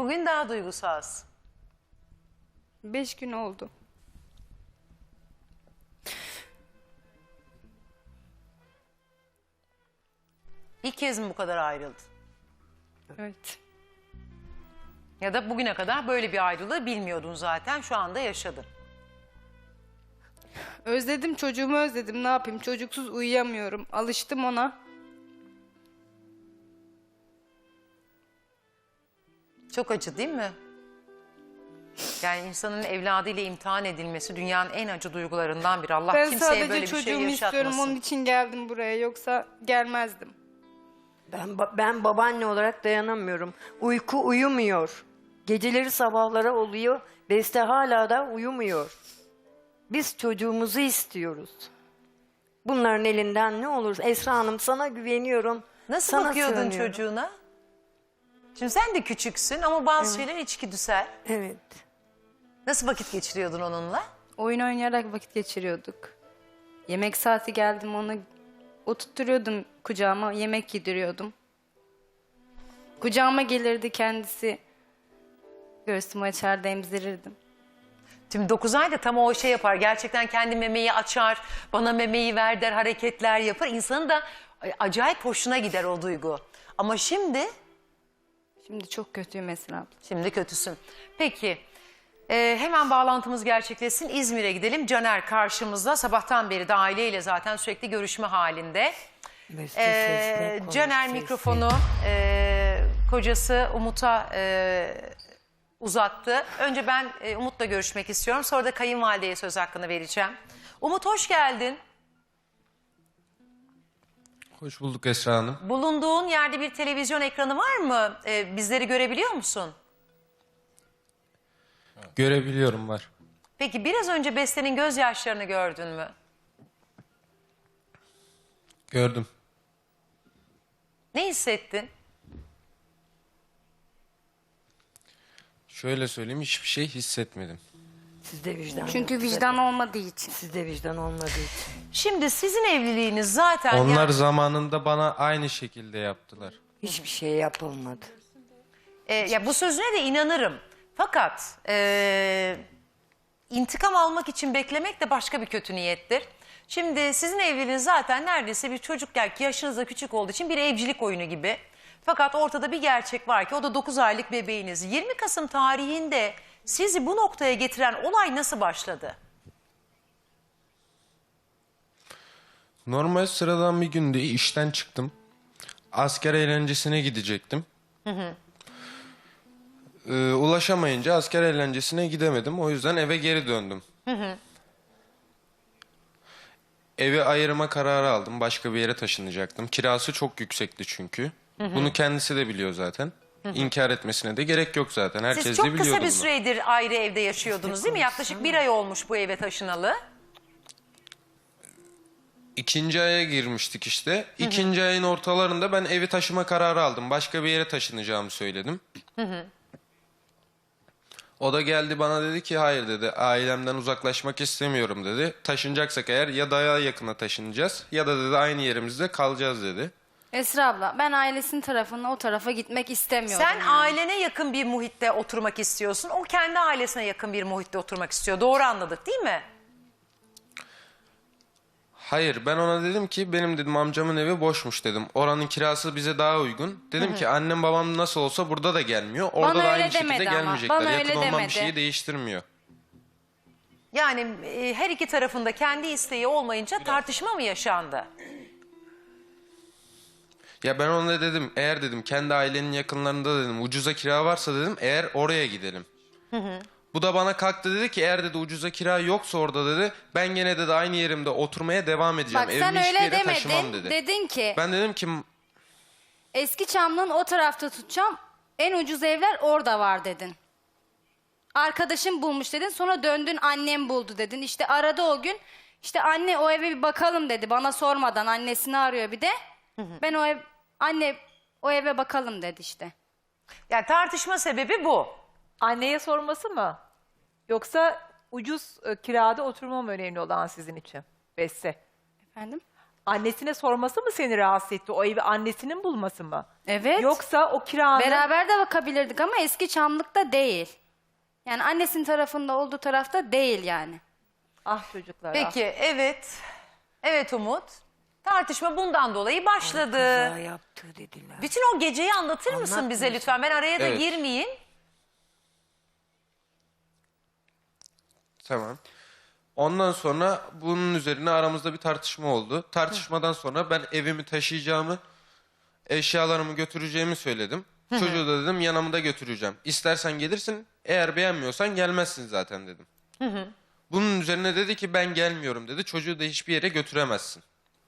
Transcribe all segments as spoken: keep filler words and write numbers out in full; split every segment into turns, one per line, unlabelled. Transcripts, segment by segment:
Bugün daha duygusalsın.
Beş gün oldu.
İlk kez mi bu kadar ayrıldın?
Evet.
Ya da bugüne kadar böyle bir ayrılığı bilmiyordun zaten, şu anda yaşadın.
Özledim, çocuğumu özledim. Ne yapayım? Çocuksuz uyuyamıyorum. Alıştım ona.
Çok acı değil mi? Yani insanın evladıyla imtihan edilmesi dünyanın en acı duygularından biri. Allah
Ben
kimseye
sadece
böyle bir şey
çocuğumu
yaşatmasın.
istiyorum. Onun için geldim buraya. Yoksa gelmezdim.
Ben, ba- ben babaanne olarak dayanamıyorum. Uyku uyumuyor. Geceleri sabahlara oluyor. Beste hala da uyumuyor. Biz çocuğumuzu istiyoruz. Bunların elinden ne olur? Esra Hanım, sana güveniyorum.
Nasıl
sana
bakıyordun
sığınıyorum.
çocuğuna? Şimdi sen de küçüksün ama bazı şeyler içgüdüsel.
Evet.
Nasıl vakit geçiriyordun onunla?
Oyun oynayarak vakit geçiriyorduk. Yemek saati geldim, onu oturtturuyordum kucağıma, yemek yediriyordum. Kucağıma gelirdi kendisi. Göğsümü açar, emzirirdim.
Şimdi dokuz ayda tam o şey yapar. Gerçekten kendi memeyi açar, bana memeyi ver der, hareketler yapar. İnsanın da acayip hoşuna gider o duygu. Ama şimdi,
Şimdi çok kötüyüm Esra abla.
şimdi kötüsün. Peki, e, hemen bağlantımız gerçekleşsin. İzmir'e gidelim. Caner karşımızda. Sabahtan beri de aileyle zaten sürekli görüşme halinde.
Beste
Ee,
sesle konuş,
Caner
sesle.
mikrofonu e, kocası Umut'a e, uzattı. Önce ben e, Umut'la görüşmek istiyorum. Sonra da kayınvalideye söz hakkını vereceğim. Umut, hoş geldin.
Hoş bulduk Esra Hanım.
Bulunduğun yerde bir televizyon ekranı var mı? E, bizleri görebiliyor musun?
Görebiliyorum, var.
Peki biraz önce Beste'nin gözyaşlarını gördün mü?
Gördüm.
Ne hissettin?
Şöyle söyleyeyim, hiçbir şey hissetmedim.
Sizde vicdan
Çünkü
yok.
vicdan olmadığı için.
Sizde vicdan olmadığı için.
Şimdi sizin evliliğiniz zaten...
Onlar
yani-
zamanında bana aynı şekilde yaptılar.
Hiçbir şey yapılmadı.
E, ya bu sözüne de inanırım. Fakat e, intikam almak için beklemek de başka bir kötü niyettir. Şimdi sizin evliliğiniz zaten neredeyse bir çocukken, ki yaşınız da küçük olduğu için bir evcilik oyunu gibi. Fakat ortada bir gerçek var ki o da dokuz aylık bebeğiniz. yirmi Kasım tarihinde sizi bu noktaya getiren olay nasıl başladı?
Normal sıradan bir günde işten çıktım. Asker eğlencesine gidecektim. Hı hı. Ee, ulaşamayınca asker eğlencesine gidemedim. O yüzden eve geri döndüm. Hı hı. Evi ayırma kararı aldım. Başka bir yere taşınacaktım. Kirası çok yüksekti çünkü. Hı hı. Bunu kendisi de biliyor zaten. Hı hı. İnkar etmesine de gerek yok zaten. Herkes
Siz
de
çok
biliyordu
kısa bir
bunu.
süredir ayrı evde yaşıyordunuz değil mi? Yaklaşık bir ay olmuş bu eve taşınalı.
İkinci aya girmiştik işte. İkinci ayın ortalarında ben evi taşıma kararı aldım. Başka bir yere taşınacağımı söyledim. Hı hı. O da geldi bana dedi ki hayır dedi, ailemden uzaklaşmak istemiyorum dedi. Taşınacaksak eğer ya daha yakına taşınacağız ya da dedi aynı yerimizde kalacağız dedi.
Esra abla, ben ailesinin tarafına, o tarafa gitmek istemiyorum.
Sen
yani.
ailene yakın bir muhitte oturmak istiyorsun. O kendi ailesine yakın bir muhitte oturmak istiyor. Doğru anladık değil mi?
Hayır, ben ona dedim ki benim dedim amcamın evi boşmuş dedim. Oranın kirası bize daha uygun. Dedim ki annem babam nasıl olsa burada da gelmiyor. Orada
Bana
da
öyle
aynı şekilde
demedi ama.
gelmeyecekler.
Bana
Yakın
öyle
olmam bir
demedi.
şeyi değiştirmiyor.
Yani e, her iki tarafında kendi isteği olmayınca tartışma mı yaşandı?
Ya ben ona dedim eğer dedim kendi ailenin yakınlarında dedim ucuza kira varsa dedim eğer oraya gidelim. Hı hı. Bu da bana kalktı dedi ki eğer dedi ucuza kira yoksa orada dedi ben gene dedi aynı yerimde oturmaya devam edeceğim.
Bak
Evimi
sen
hiçbir
öyle
yere taşımam
demedin.
dedi.
Dedin ki
Ben dedim ki
eski Çamlı'nın o tarafta tutacağım. En ucuz evler orada var dedin. Arkadaşım bulmuş dedin. Sonra döndün annem buldu dedin. İşte aradı o gün. İşte anne o eve bir bakalım dedi. Bana sormadan annesini arıyor bir de. Hı hı. Ben o ev anne o eve bakalım dedi işte.
Yani tartışma sebebi bu.
Anneye sorması mı? Yoksa ucuz e, kirada oturma mı önemli olan sizin için? Beste.
Efendim?
Annesine sorması mı seni rahatsız etti? O evi annesinin bulması mı?
Evet.
Yoksa o kiranın...
Beraber de bakabilirdik ama eski Çamlık'ta değil. Yani annesinin tarafında olduğu tarafta değil yani.
Ah çocuklar. ah.
Peki evet. Evet Umut. Tartışma bundan dolayı başladı.
Kaza yaptı dediler.
Bütün o geceyi anlatır mısın
Anlatmıyorsun.
bize lütfen? Ben araya da
Evet.
girmeyeyim.
Tamam. Ondan sonra bunun üzerine aramızda bir tartışma oldu. Tartışmadan sonra ben evimi taşıyacağımı, eşyalarımı götüreceğimi söyledim. Çocuğu da dedim yanımda götüreceğim. İstersen gelirsin, eğer beğenmiyorsan gelmezsin zaten dedim. Bunun üzerine dedi ki ben gelmiyorum dedi. Çocuğu da hiçbir yere götüremezsin.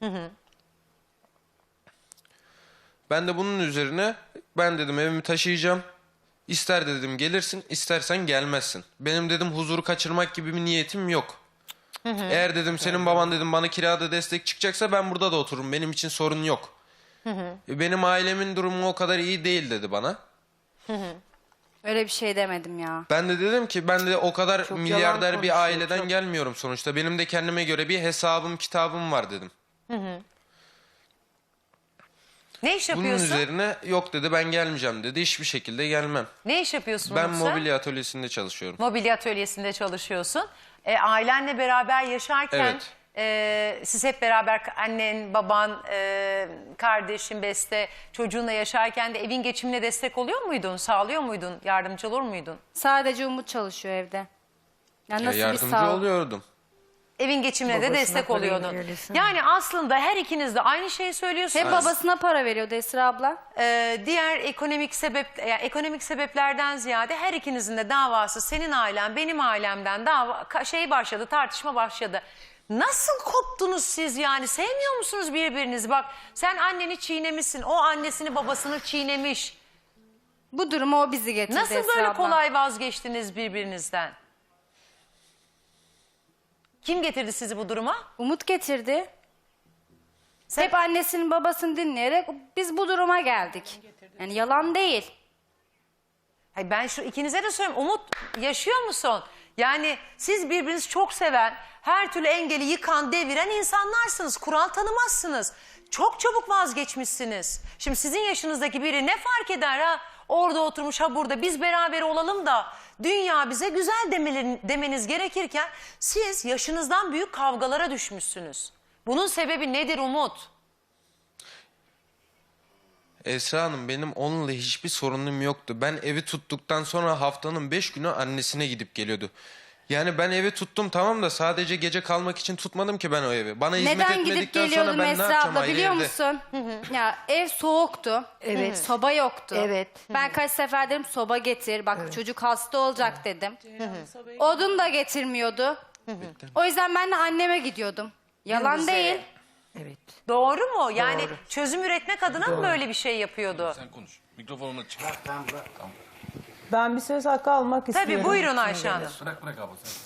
Ben de bunun üzerine ben dedim evimi taşıyacağım. İster dedim gelirsin, istersen gelmezsin. Benim dedim huzuru kaçırmak gibi bir niyetim yok. Eğer dedim senin baban dedim bana kirada destek çıkacaksa ben burada da otururum. Benim için sorun yok. E, Benim ailemin durumu o kadar iyi değil dedi bana.
Öyle bir şey demedim ya.
Ben de dedim ki ben de o kadar
Çok
milyarder
yalan
bir
konuşuyor,
aileden
çok.
gelmiyorum sonuçta. Benim de kendime göre bir hesabım kitabım var dedim.
Ne iş
Bunun
yapıyorsun?
üzerine yok dedi ben gelmeyeceğim dedi. Hiçbir şekilde gelmem.
Ne iş yapıyorsun
Ben
Umut sen?
mobilya atölyesinde çalışıyorum.
Mobilya atölyesinde çalışıyorsun. E, ailenle beraber yaşarken
Evet.
e, siz hep beraber annen, baban, e, kardeşin, Beste çocuğunla yaşarken de evin geçimine destek oluyor muydun? Sağlıyor muydun? Yardımcı olur muydun?
Sadece Umut çalışıyor evde. Yani
Ya
nasıl bir
yardımcı
sağ...
oluyordum.
Evin geçimine de
Babasına
destek
para
oluyordun.
verirsin.
Yani aslında her ikiniz de aynı şeyi söylüyorsunuz.
Hep babasına para veriyordu Esra abla.
Ee, diğer ekonomik sebep yani ekonomik sebeplerden ziyade her ikinizin de davası senin ailen benim ailemden dava ka- şey başladı, tartışma başladı. Nasıl koptunuz siz yani? Sevmiyor musunuz birbirinizi? Bak sen anneni çiğnemişsin. O annesini babasını çiğnemiş.
Bu durumu o bizi getirdi
Nasıl
Esra
böyle
abla.
kolay vazgeçtiniz birbirinizden? Kim getirdi sizi bu duruma?
Umut getirdi.
Sen-
Hep annesinin babasını dinleyerek biz bu duruma geldik. Yani yalan değil.
Hayır, ben şu ikinize de söyleyeyim. Umut yaşıyor musun? Yani siz birbirinizi çok seven, her türlü engeli yıkan, deviren insanlarsınız. Kural tanımazsınız. Çok çabuk vazgeçmişsiniz. Şimdi sizin yaşınızdaki biri ne fark eder ha? Orada oturmuş ha burada biz beraber olalım da dünya bize güzel demelerin, demeniz gerekirken siz yaşınızdan büyük kavgalara düşmüşsünüz. Bunun sebebi nedir Umut?
Esra Hanım benim onunla hiçbir sorunum yoktu. Ben evi tuttuktan sonra haftanın beş günü annesine gidip geliyordu. Yani ben evi tuttum tamam da sadece gece kalmak için tutmadım ki ben o evi. Bana hizmet
Neden gidip
etmedikten sonra
geliyordum
ben ne
Esra
yapacağım
abla
ayrı
biliyor
evde?
musun? Ya ev soğuktu.
Evet.
Soba yoktu.
Evet.
Ben kaç sefer dedim soba getir. Bak çocuk hasta olacak dedim. Odun da getirmiyordu. O yüzden ben de anneme gidiyordum. Yalan
Gündüzleri.
değil.
Evet.
Doğru mu? Yani
Doğru.
çözüm üretmek adına mı böyle bir şey yapıyordu?
Sen konuş. Mikrofonunu çık.
Ben bir söz hakkı almak istiyorum.
Tabii buyurun Ayşe Hanım.
Bırak bırak abla sen.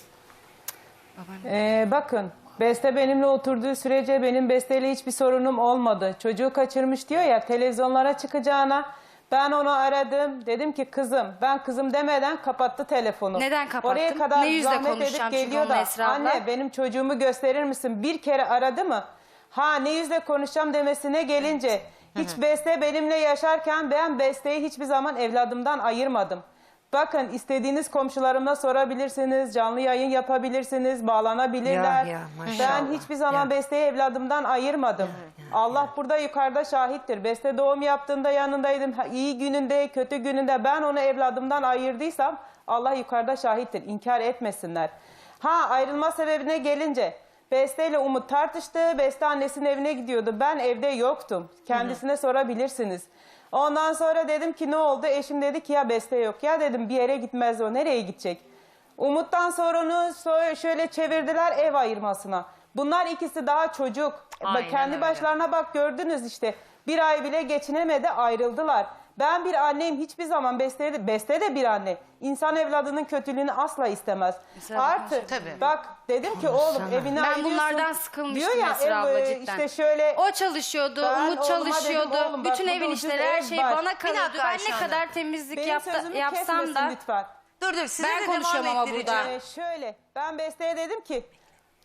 Ee, bakın Beste benimle oturduğu sürece benim Beste'yle hiçbir sorunum olmadı. Çocuğu kaçırmış diyor ya televizyonlara çıkacağına. Ben onu aradım. Dedim ki kızım ben kızım demeden kapattı telefonu.
Neden kapattın?
Oraya kadar
Ne yüzle
zahmet
konuşacağım
edip
çünkü
geliyor
onunla
da
Esra abla?
anne benim çocuğumu gösterir misin? Bir kere aradı mı? Ha ne yüzle konuşacağım demesine gelince hiç Beste benimle yaşarken ben Beste'yi hiçbir zaman evladımdan ayırmadım. Bakın istediğiniz komşularıma sorabilirsiniz, canlı yayın yapabilirsiniz, bağlanabilirler.
Ya, ya, maşallah.
Ben hiçbir zaman Beste'yi evladımdan ayırmadım. Allah burada yukarıda şahittir. Beste doğum yaptığında yanındaydım. Ha, İyi gününde, kötü gününde ben onu evladımdan ayırdıysam Allah yukarıda şahittir. İnkar etmesinler. Ha ayrılma sebebine gelince Beste ile Umut tartıştı. Beste annesinin evine gidiyordu. Ben evde yoktum. Kendisine sorabilirsiniz. Ondan sonra dedim ki ne oldu? Eşim dedi ki ya Beste yok. Ya dedim bir yere gitmez o. Nereye gidecek? Umut'tan sonra onu so- şöyle çevirdiler ev ayırmasına. Bunlar ikisi daha çocuk. Bak,
Aynen
kendi
öyle.
başlarına bak gördünüz işte. Bir ay bile geçinemedi ayrıldılar. Ben bir anneyim hiçbir zaman Beste de, Beste de bir anne. İnsan evladının kötülüğünü asla istemez.
Esra abla,
Artı
Tabii.
bak dedim ki oğlum evine
Ben
ayırıyorsun.
bunlardan sıkılmıştım
Diyor ya,
Esra
ev,
abla
e,
cidden.
işte şöyle
O çalışıyordu,
Ben
Umut
oğluma dedim,
çalışıyordu.
oğlum bak
Bütün
burada
evin
ucuz
işleri her
ev
şey
var.
bana
Bir
kalıyordu.
dakika
Ben
Ayşe
ne
Hanım.
kadar temizlik
benim
yapta,
sözümü
yapsam
kesmesin
da
lütfen.
Dur dur size
Ben
de
konuşuyorum
devam
ama
ettireceğim.
burada.
Ee, şöyle ben Beste'ye dedim ki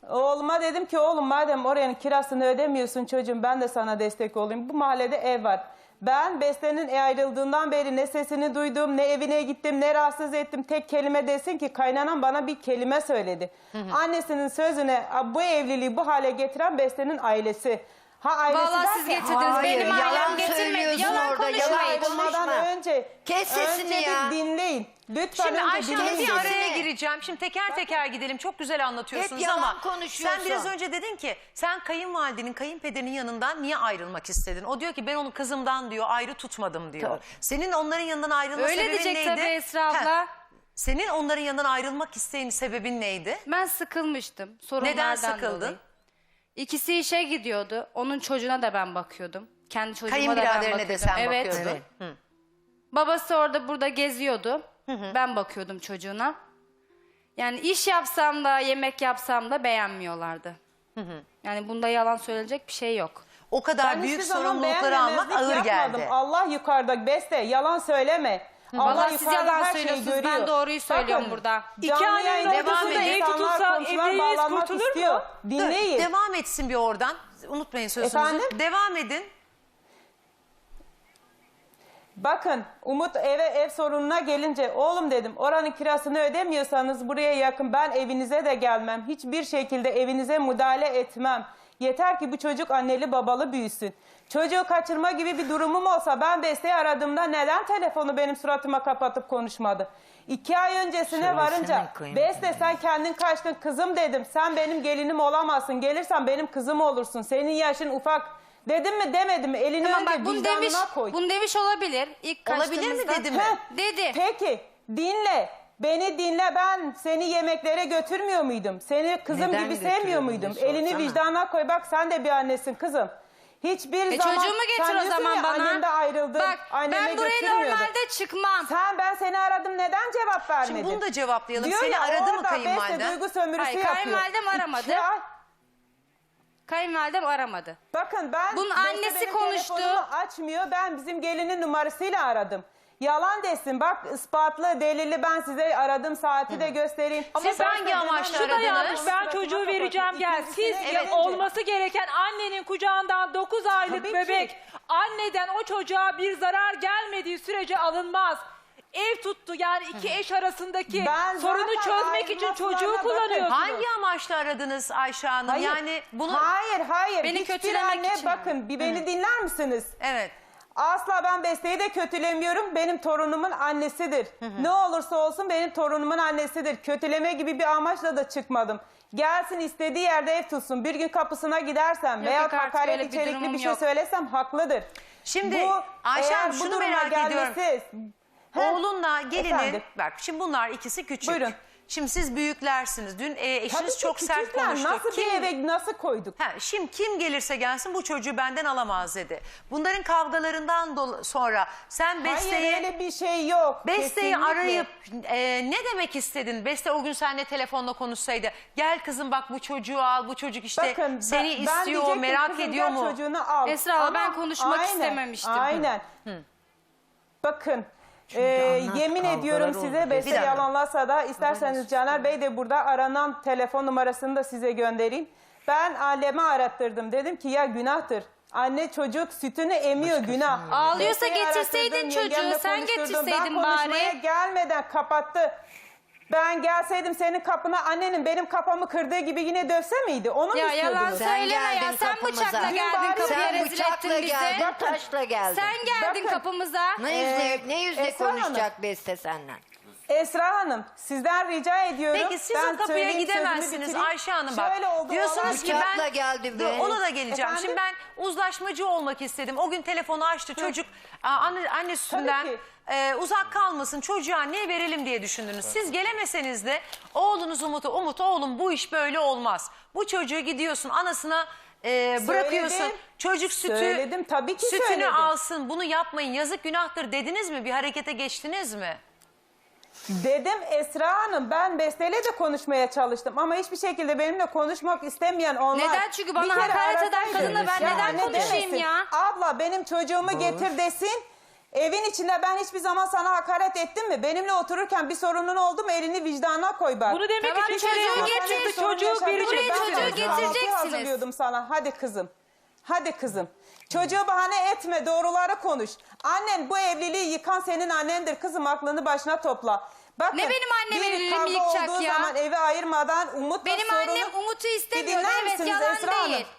Oğluma dedim ki oğlum madem oranın kirasını ödemiyorsun çocuğum ben de sana destek olayım. Bu mahallede ev var. Ben Beste'nin ayrıldığından beri ne sesini duydum, ne evine gittim, ne rahatsız ettim. Tek kelime desin ki kaynanam bana bir kelime söyledi. Hı hı. Annesinin sözüne bu evliliği bu hale getiren Beste'nin ailesi. Ha ailesi
Vallahi
derken-
siz getirdiniz.
Hayır,
Benim
yalan
ailem getirmedi.
söylüyorsun
Yalan
orada,
konuşmayın.
yalan
Ayrılmadan
konuşma.
önce,
Kes sesini
önce
ya.
bir dinleyin. Lütfen
Şimdi
önce
Ayşe Hanım
dinleyin.
bir araya
sesini.
gireceğim. Şimdi teker teker gidelim. Çok güzel anlatıyorsunuz
Hep yalan
ama
konuşuyorsun.
sen biraz önce dedin ki sen kayınvalidenin, kayınpederinin yanından niye ayrılmak istedin? O diyor ki ben onu kızımdan diyor ayrı tutmadım diyor.
Tabii.
Senin onların yanından ayrılma
Öyle
sebebin
diyecek
neydi?
tabii Esra
Heh.
abla.
Senin onların yanından ayrılmak isteğin sebebin neydi?
Ben sıkılmıştım. Sorunlardan
Neden sıkıldın?
dolayı. İkisi işe gidiyordu. Onun çocuğuna da ben bakıyordum. Kendi çocuğuma da ben
Kayınbiraderine
bakıyordum.
de sen
evet.
bakıyordun.
Evet.
Babası orada burada geziyordu. Ben bakıyordum çocuğuna. Yani iş yapsam da yemek yapsam da beğenmiyorlardı. Yani bunda yalan söylenecek bir şey yok.
O kadar
Ben
büyük
hiçbir zaman
sorumlulukları almak
beğenmemezlik
ağır
yapmadım.
geldi.
Allah yukarıda Beste yalan söyleme. Allah
Vallahi siz
yukarıda
yalan
her şeyi
söylüyorsunuz. Ben
görüyor.
doğruyu söylüyorum burada.
İki
canlı
annenin
yayında
ortasında
bazı
ev
insanlar,
tutulsa
komşular
evliliğiniz
bağlanmak
kurtulur mu?
istiyor. Dinleyin.
Dur, devam etsin bir oradan. Unutmayın sözünüzü.
Efendim?
Devam edin.
Bakın Umut eve ev sorununa gelince oğlum dedim oranın kirasını ödemiyorsanız buraya yakın ben evinize de gelmem. Hiçbir şekilde evinize müdahale etmem. Yeter ki bu çocuk anneli babalı büyüsün. Çocuğu kaçırma gibi bir durumum olsa ben Beste'yi aradığımda neden telefonu benim suratıma kapatıp konuşmadı? İki ay öncesine
Söylesene
varınca
kıymetini.
Beste sen kendin kaçtın kızım dedim. Sen benim gelinim olamazsın. Gelirsen benim kızım olursun. Senin yaşın ufak. Dedim mi demedim mi? Elini
Tamam
önce
bak bunu demiş,
vicdanına koy.
bunu demiş olabilir. İlk
Olabilir mi
kaçtığımızda-
dedi mi?
Heh,
Dedi.
Peki dinle. Beni dinle ben seni yemeklere götürmüyor muydum? Seni kızım
Neden
gibi sevmiyor
götürüyordun
muydum?
sorsana.
Elini vicdanına koy bak sen de bir annesin kızım. Hiçbir
E
zaman
çocuğumu getir
sen
o
diyorsun
zaman
ya,
bana.
annem de ayrıldı.
Bak
anneme
ben buraya
götürmüyordu.
normalde çıkmam.
Sen ben seni aradım neden cevap vermedin?
Şimdi bunu da cevaplayalım.
Diyor
Seni
ya,
aradı mı
orada
kayınvaliden?
Beste duygu sömürüsü
Hayır,
yapıyor.
kayınvalidem aramadı.
İki ay-
Kayınvalidem aramadı.
Bakın ben
Bunun
Beste
annesi
benim
konuştu.
telefonumu açmıyor. Ben bizim gelinin numarasıyla aradım. Yalan desin. Bak ispatlı, delilli ben size aradım saati de göstereyim.
Siz
ben
hangi
de
amaçla
demem-
Şu da
aradınız?
yanlış. Ben
Suratıma
çocuğu
kapatın.
vereceğim gel. Siz
İkincisine
ya-
gelince-
olması gereken annenin kucağından dokuz aylık
Tabii ki.
bebek anneden o çocuğa bir zarar gelmediği sürece alınmaz. Ev tuttu yani iki eş arasındaki
Ben
sorunu
zaten
çözmek için
ayrılmasına
çocuğu
bakın.
kullanıyorsunuz.
Hangi amaçla aradınız Ayşe Hanım?
Hayır.
Yani bunu...
Hayır, hayır.
Beni
Hiçbir
kötülemek
anne
için
bakın bir beni dinler misiniz?
Evet.
Asla ben Beste'yi de kötülemiyorum. Benim torunumun annesidir. Ne olursa olsun benim torunumun annesidir. Kötüleme gibi bir amaçla da çıkmadım. Gelsin istediği yerde ev tutsun. Bir gün kapısına gidersem
Yok,
veya
yok, artık
hakaret
öyle bir
içerikli
durumum
bir şey
yok.
söylesem haklıdır.
Şimdi
Bu,
Ayşe
eğer
Hanım
bu
şunu
duruma
merak ediyorum.
gelmesi- Heh,
Oğlunla gelinin,
efendim.
bak şimdi bunlar ikisi küçük.
Buyurun.
Şimdi siz büyüklersiniz. Dün e, eşiniz
Tabii ki
çok sert
küçükler.
konuştu.
Nasıl
Kim-
bir eve nasıl koyduk?
Ha, şimdi kim gelirse gelsin bu çocuğu benden alamaz dedi. Bunların kavgalarından dol- sonra sen Beste'yi
Hayır öyle bir şey yok.
Beste'yi
Kesinlikle.
arayıp e, ne demek istedin? Beste o gün seninle telefonla konuşsaydı. Gel kızım bak bu çocuğu al, bu çocuk işte
Bakın,
seni
ben- ben
istiyor,
diyecektim,
merak
kızım
ediyor
gel
mu?
Çocuğunu al.
Esra abla,
Ama
ben konuşmak
aynen,
istememiştim.
Aynen. Bakın e,
anlat,
yemin
kavgalar
ediyorum
oldu.
size
Bir
Beste
dakika.
yalanlarsa da isterseniz Caner Bey de burada aranan telefon numarasını da size göndereyim. Ben aleme arattırdım. Dedim ki ya günahtır. Anne çocuk sütünü emiyor günah.
Ağlıyorsa
Beste'yi
getirseydin
arattırdım,
çocuğu,
yengemle
sen
konuşturdum.
getirseydin
ben konuşmaya
bari.
gelmeden kapattı. Ben gelseydim senin kapına annenin benim kafamı kırdığı gibi yine dövse miydi? Onu mu
Ya
istiyordunuz?
yalan
Sen
söyleme ya.
geldin
Sen
kapımıza.
bıçakla
Dün
geldin
bari
kapıya
Sen
rezil
bıçakla
ettin bizi.
geldin, taşla geldin.
Sen geldin
Bakın.
kapımıza.
Ne yüzle,
Ee,
ne yüzle
Esra Hanım.
konuşacak Beste senden?
Esra Hanım sizden rica ediyorum.
Peki siz
Ben
o kapıya
söyleyeyim, sözümü
gidemezsiniz
bitireyim.
Ayşe Hanım bak.
Şöyle oldu,
Diyorsunuz
olay-
ki ben
Bıçakla geldi
Dur,
be.
ona da geleceğim.
Efendim?
Şimdi ben uzlaşmacı olmak istedim. O gün telefonu açtı çocuk aa, anne, anne sütünden
ki.
e, uzak kalmasın çocuğa anneye verelim diye düşündünüz. Siz gelemeseniz de oğlunuz Umut'u Umut oğlum bu iş böyle olmaz. Bu çocuğu gidiyorsun anasına e, bırakıyorsun.
Söyledim.
Çocuk sütü
Söyledim, tabii ki
sütünü
söyledim.
alsın bunu yapmayın yazık günahtır dediniz mi? Bir harekete geçtiniz mi?
Dedim Esra Hanım ben Beste'yle de konuşmaya çalıştım ama hiçbir şekilde benimle konuşmak istemeyen onlar.
Neden? Çünkü bana
Bir kere
hakaret eden
arasaydı.
kadınla ben
Ya
neden
anne
konuşayım
demesin,
ya?
Abla benim çocuğumu getir desin. Evin içinde ben hiçbir zaman sana hakaret ettim mi? Benimle otururken bir sorunun oldu mu elini vicdanına koy bak.
Bunu demek
Tamam,
için
çocuğu
çocuğu
getir,
getirdi,
sorun
çocuğu
yaşadın mı?
verecek.
Ben
çocuğu
sana
getireceksiniz.
kahvaltı hazırlıyordum sana. Hadi kızım. Hadi kızım. Çocuğu bahane etme, doğruları konuş. Annen bu evliliği yıkan senin annendir. Kızım aklını başına topla. Bakın,
Ne benim annem
bir
evliliğimi
kavga
yıkacak
olduğu
ya?
zaman evi ayırmadan Umut'la
Benim
sorunu...
annem Umut'u
Bir
istemiyordu.
dinler
Evet,
misiniz
yalan
Esra Hanım?
değil.